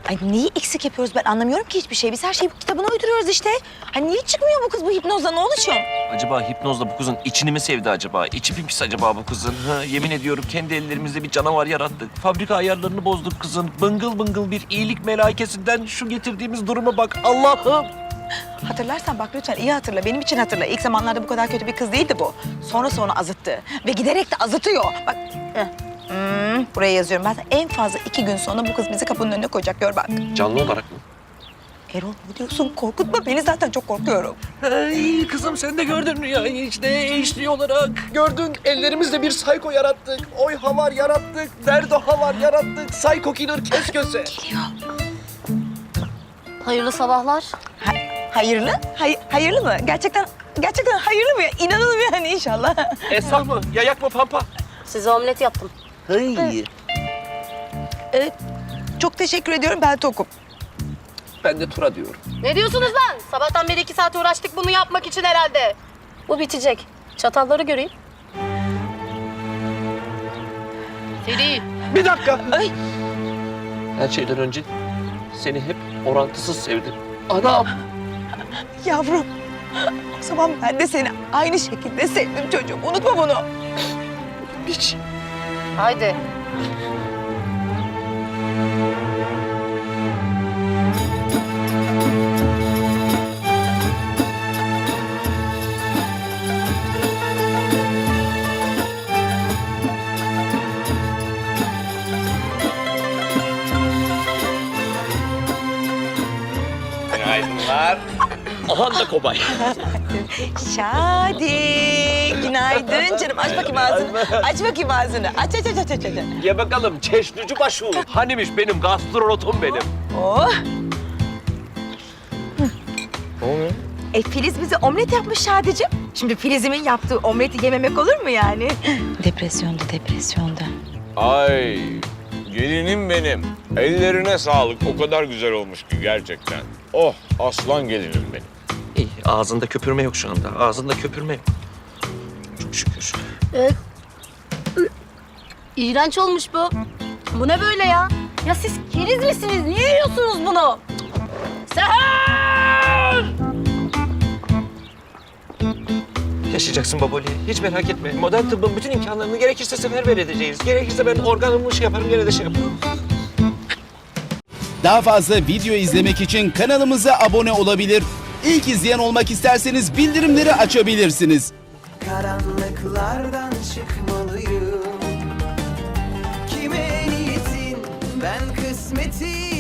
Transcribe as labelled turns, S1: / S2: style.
S1: Ay neyi eksik yapıyoruz ben anlamıyorum ki hiçbir şey. Biz her şeyi kitabına uyduruyoruz işte. Hani niye çıkmıyor bu kız bu hipnozla ne oluşum?
S2: Acaba hipnozla bu kızın içini mi sevdi acaba? İçi mi pis acaba bu kızın? Ha, yemin ediyorum kendi ellerimizle bir canavar yarattık. Fabrika ayarlarını bozduk kızın. Bıngıl bıngıl bir iyilik melaikesinden şu getirdiğimiz duruma bak Allah'ım.
S1: Hatırlarsan bak lütfen iyi hatırla. Benim için hatırla. İlk zamanlarda bu kadar kötü bir kız değildi bu. Sonra azıttı. Ve giderek de azıtıyor. Bak. Buraya yazıyorum. Ben en fazla 2 gün sonra bu kız bizi kapının önüne koyacak. Gör bak.
S2: Canlı olarak mı?
S1: Erol ne diyorsun? Korkutma beni zaten çok korkuyorum.
S2: Ay kızım sen de gördün ya işte HD olarak. Gördün ellerimizle bir psycho yarattık. Oy havar yarattık. Derdo havar yarattık. Psycho killer kes köse.
S1: Geliyor.
S3: Hayırlı sabahlar.
S1: Hayırlı? Hayırlı mı? Gerçekten hayırlı mı? İnanalım yani inşallah.
S2: Esah mı? Yayak mı pampa?
S3: Size omlet yaptım.
S2: Ay.
S1: Çok teşekkür ediyorum. Ben tokum.
S2: Ben de Tura diyorum.
S3: Ne diyorsunuz lan? Sabahtan beri 2 saat uğraştık bunu yapmak için herhalde. Bu bitecek. Çatalları göreyim. Seri.
S2: Bir dakika.
S1: Ay.
S2: Her şeyden önce seni hep orantısız sevdim. Anam.
S1: Yavrum. O zaman ben de seni aynı şekilde sevdim çocuğum. Unutma bunu.
S2: Hiç.
S3: Haydi.
S2: Günaydınlar. Ahan da kobay.
S1: Şadi. Günaydın canım. Aç bakayım ağzını. Aç bakayım ağzını. Aç.
S2: Ye bakalım çeşnici başı. Hanimiş benim gastronotum benim.
S1: Oh.
S2: Ne oluyor?
S1: Filiz bize omlet yapmış Şadi'cim. Şimdi Filiz'imin yaptığı omleti yememek olur mu yani? Depresyonda.
S4: Ay gelinim benim. Ellerine sağlık. O kadar güzel olmuş ki gerçekten. Oh aslan gelinim benim.
S2: İyi ağzında köpürme yok şu anda. Ağzında köpürme yok. Çok şükür.
S3: İğrenç olmuş bu. Bu ne böyle ya? Ya siz keriz misiniz? Niye yiyorsunuz bunu? Seher!
S2: Yaşayacaksın baboli. Hiç merak etme. Modern tıbbın bütün imkanlarını gerekirse seferber edeceğiz. Gerekirse ben organımı yaparım gene de şey yaparım.
S5: Daha fazla video izlemek için kanalımıza abone olabilir. İlk izleyen olmak isterseniz bildirimleri açabilirsiniz.
S6: Karanlıklardan çıkmalıyım. Kime niyetin ben kısmetim